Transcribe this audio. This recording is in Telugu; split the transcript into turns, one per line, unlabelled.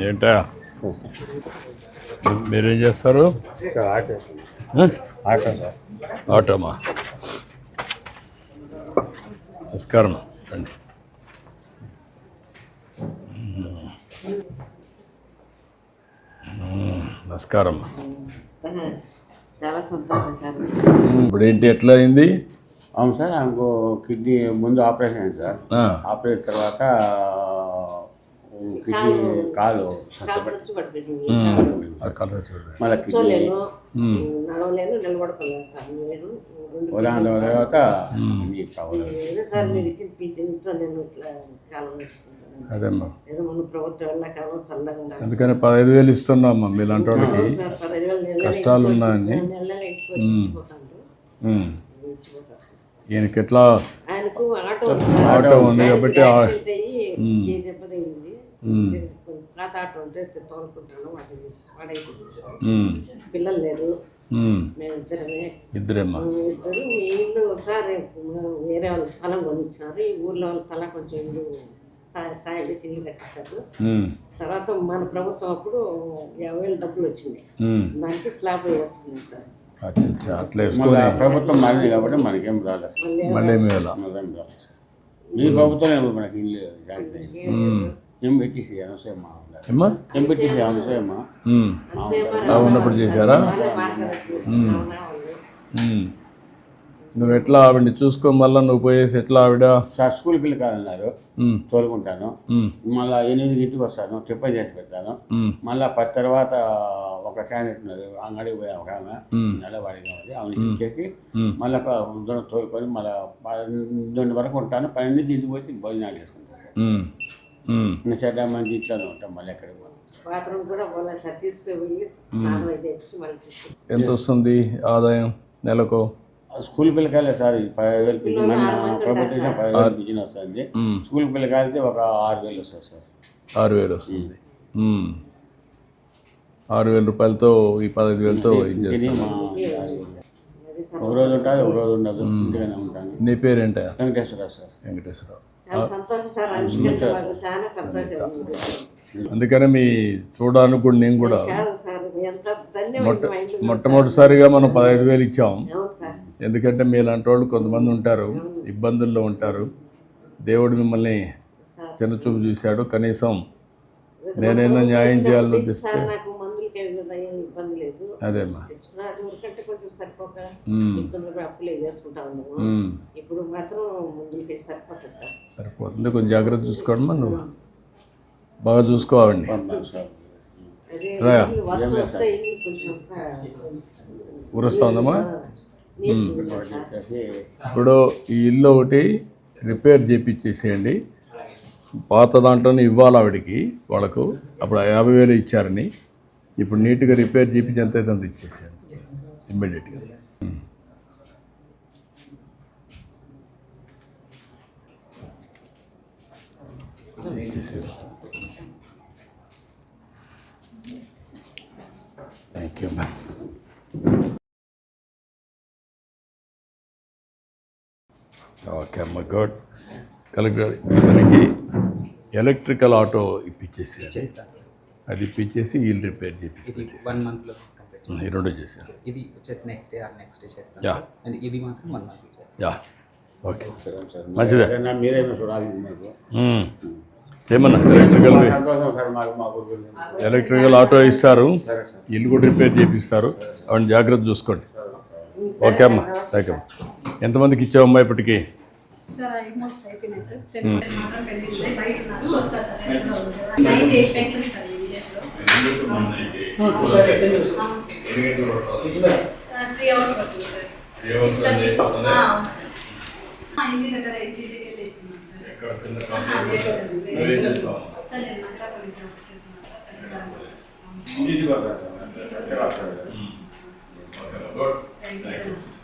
ఏంటా మీరేం చేస్తారు? ఆటోమా. నమస్కారం రండి. నమస్కారం.
చాలా సంతోషం సార్.
ఇప్పుడు ఏంటి ఎట్లా అయింది?
అవును సార్, ఆమెకు కిడ్నీ ముందు ఆపరేషన్ అయింది సార్. ఆపరేషన్ తర్వాత కిడ్నీ కాలు మళ్ళీ కిడ్నీ
నడవలేను, నిలబడుకోలేను సార్. నేను
తర్వాత
సార్ మీరు ఇచ్చిన పింఛన్తో నేను ఇట్లా కాలం వేసుకుంటాను.
అదేమ్మా,
ఏదో మన ప్రభుత్వం వల్ల కాలం చల్లగా ఉండాలి.
అందుకని 15,000 ఇస్తున్నామ్మా. మీలాంటి వాళ్ళకి కష్టాలు ఉన్నాయని. ఈయనకి ఎట్లా
ఆయనకు
ఆటో ఉంది కాబట్టి
దెబ్బతయింది. పాత ఆటో ఉంటే తోలుకుంటాను. పిల్లలు లేరు, మేమిద్దరమే.
ఇద్దరేమ్మా.
ఇద్దరు. మీ ఇల్లు సార్ వేరే వాళ్ళ స్థలం కొనిచ్చినారు. ఈ ఊర్లో వాళ్ళ తల కొంచెం ఇల్లు సాయం చేసి ఇల్లు కట్టించారు. తర్వాత మన ప్రభుత్వం అప్పుడు 50,000 డబ్బులు వచ్చింది. దానికి స్లాబ్ వేసుకున్నాం సార్.
అట్లా
ప్రభుత్వం మారింది కాబట్టి మనకేం రాలేదు.
మళ్ళీ
మీ ప్రభుత్వం మనకి ఇల్లు ఎంపీటీసీ అనసూయమ్మా
ఉన్నప్పుడు చేశారా? నువ్వు ఎట్లా ఆవిడని చూసుకో, మళ్ళీ నువ్వు పోయేసి ఎట్లా ఆవిడ
సార్ స్కూల్ పిల్లలు కాదన్నారు, తోలుకుంటాను. మళ్ళీ 8 వస్తాను, టిఫిన్ చేసి పెడతాను. మళ్ళీ 10 తర్వాత ఒక క్యాండిడేట్ ఉన్నది, అంగడికి పోయా ఒక ఆమె నెలవాడిగా ఉంది, ఆమె ఇచ్చేసి మళ్ళీ తోలుకొని మళ్ళీ 12 వరకు ఉంటాను. 12 ఇంటికి పోయి భోజనాలు చేసుకుంటాను సార్. చెడ్డ మంచి ఇంట్లోనే ఉంటాం. మళ్ళీ ఎక్కడికి
బాత్రూమ్ కూడా పోలేదు సార్. తీసుకువెళ్ళి
ఎంత వస్తుంది ఆదాయం నెలకు?
స్కూల్ పిల్లకాయలే సార్ 15,000 పింఛన్, ప్రభుత్వం 15,000 పింఛన్ వస్తుంది. స్కూల్ పిల్లకాయలతో ఒక 6,000 వస్తుంది సార్.
6,000 వస్తుంది. 6,000 రూపాయలతో ఈ 15,000తో ఇది చేస్తాను.
ఒక రోజు ఉంటుంది, ఒక రోజు ఉండదు. ఇంటిగానే ఉంటాను.
నీ పేరేంటా?
వెంకటేశ్వరరావు సార్.
వెంకటేశ్వరరావు. అందుకనే మీ చూడడానికి కూడా నేను కూడా మొట్టమొదటిసారిగా మనం 15,000 ఇచ్చాం. ఎందుకంటే మీలాంటి వాళ్ళు కొంతమంది ఉంటారు, ఇబ్బందుల్లో ఉంటారు. దేవుడు మిమ్మల్ని చిన్నచూపు చూశాడు. కనీసం నేనైనా న్యాయం చేయాలని ఉద్దేశిస్తే అదేమ్మా. సరిపోతుంది. కొంచెం జాగ్రత్త చూసుకోండి. నువ్వు బాగా చూసుకోవాలండి. ఊరొస్తా ఉందమ్మా. ఇప్పుడు ఈ ఇల్లు ఒకటి రిపేర్ చేయించేసేయండి. పాత దాంట్లోనే ఇవ్వాలి ఆవిడికి, వాళ్ళకు అప్పుడు 50,000 ఇచ్చారని. ఇప్పుడు నీట్గా రిపేర్ చేయించి ఎంత అయితే అంత ఇచ్చేసేయండి ఇమ్మీడియట్గా. ఇచ్చేసారు. Thank you ma'am. ఓకే అమ్మ, గుడ్. కలెక్టర్ మనకి ఎలక్ట్రికల్ ఆటో ఇప్పించేసి అది ఇప్పించేసి ఇల్లు రిపేర్ చేసి
1 monthలో
ఈ 2 చేశాను.
ఇది వచ్చేసి నెక్స్ట్ డే చేస్తాను. అండ్ ఇది మాత్రం 1 month చేస్తాను.
ఓకే, మంచిదే.
మీరేమో చూడాలి మాకు
ఏమన్నా ఎలక్ట్రికల్ ఆటో ఇస్తారు, ఇల్లు కూడా రిపేర్ చేపిస్తారు. అవన్నీ జాగ్రత్త చూసుకోండి. ఓకే అమ్మా, థ్యాంక్ యూ. ఎంతమందికి ఇచ్చావమ్మా ఇప్పటికీ?
Thank you.